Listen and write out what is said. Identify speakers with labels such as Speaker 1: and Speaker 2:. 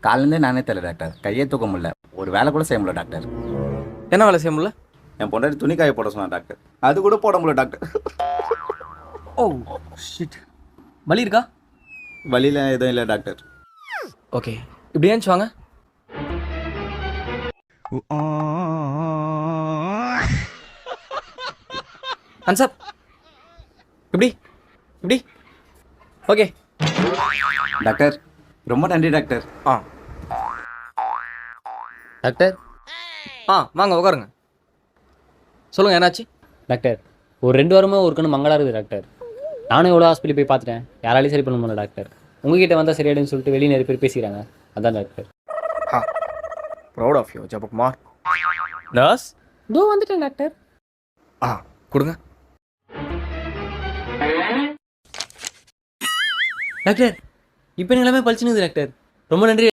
Speaker 1: காலேருந்தே நானே தெரியல டாக்டர். கையே தூக்க முடியல. ஒரு வேலை கூட செய்ய முடியல டாக்டர்.
Speaker 2: என்ன வேலை செய்ய முடியல?
Speaker 1: என் பொண்டாட்டி துணி காய போட சொன்னா டாக்டர். அது கூட போட முடியல டாக்டர்.
Speaker 2: Oh shit. வலி இருக்கா?
Speaker 1: வழியில எதுவும் இல்லை டாக்டர்.
Speaker 2: ஓகே, இப்படி ஏன்ச்சு வாங்க. அன்சாப் இப்படி இப்படி. ஓகே
Speaker 1: டாக்டர் ரொம்ப நன்றி டாக்டர்.
Speaker 2: ஆ
Speaker 3: டாக்டர்
Speaker 2: வாங்க உட்காருங்க. சொல்லுங்கள், என்னாச்சு?
Speaker 3: டாக்டர் ஒரு 2 வாரமாக ஒரு கண்ணு மங்களாக இருக்குது டாக்டர். நானும் எவ்வளோ ஹாஸ்பிட்டல் போய் பார்த்துட்டேன், யாராலையும் சரி பண்ண முடியல டாக்டர். உங்ககிட்ட வந்தால் சரியாயிடுன்னு சொல்லிட்டு வெளியே நிறைய பேர் பேசிக்கிறாங்க. அதான் doctor.
Speaker 2: Proud of you Jabakumar. Nurse
Speaker 3: இதோ வந்துட்டேன் டாக்டர்.
Speaker 2: கொடுங்க. டாக்டர் இப்போ எல்லாமே பழிச்சுனுது டாக்டர். ரொம்ப நன்றி.